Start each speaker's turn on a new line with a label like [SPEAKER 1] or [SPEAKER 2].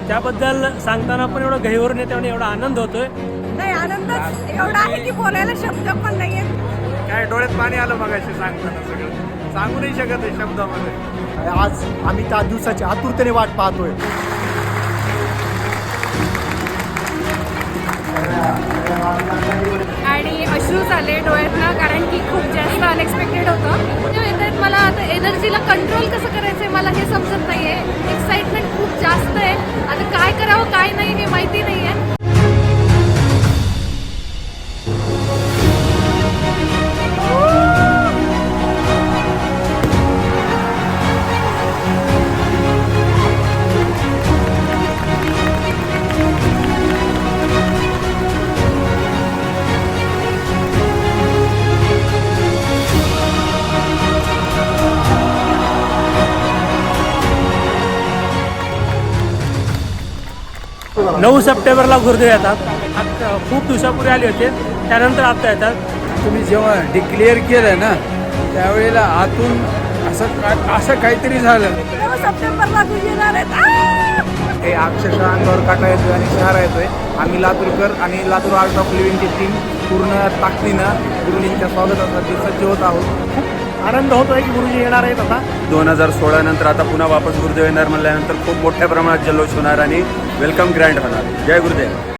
[SPEAKER 1] त्याबद्दल सांगताना पण एवढं गहिवरून येते आणि एवढा आनंद होतोय.
[SPEAKER 2] नाही, आनंदच एवढा आहे की बोलायला शब्द पण नाहीये.
[SPEAKER 3] काय डोळ्यात पाणी आलं मगाशी सांगताना, सगळं सांगू नाही शकत आहे शब्दामध्ये.
[SPEAKER 4] आज आम्ही त्या दिवसाची आतुरतेने वाट पाहतोय.
[SPEAKER 2] आणि अश्रू झाले डोळ्यातनं, कारण की खूप जास्त अनएक्सपेक्टेड होतं. मला आता एनर्जीला कंट्रोल कसं करायचं मला हे समजत नाहीये. एक्साइटमेंट खूप जास्त आहे. आता काय करावं काय नाही हे माहिती नाहीये.
[SPEAKER 1] 9 सप्टेंबरला गुरुदेव येतात. खूप दिवसापूर्वी आले होते, त्यानंतर आता येतात.
[SPEAKER 5] तुम्ही जेव्हा डिक्लेअर केलं ना त्यावेळेला आतून असं काहीतरी झालं.
[SPEAKER 2] 9 सप्टेंबरला येणार आहेत.
[SPEAKER 3] हे अक्षरशः अंगावर काटा येतोय आणि शहरा येतोय. आम्ही लातूरकर आणि लातूर आर्ट ऑफ लिव्हिंगची टीम पूर्ण ताकदीनं गुरुजींच्या स्वागतासाठी सज्ज होत आहोत.
[SPEAKER 4] खूप आनंद होतोय की गुरुजी येणार आहेत. आता
[SPEAKER 6] 2016 नंतर आता पुन्हा वापस गुरुदेव येणार म्हणल्यानंतर खूप मोठ्या प्रमाणात जल्लोष होणार आणि वेलकम ग्रँड होणार. जय गुरुदेव.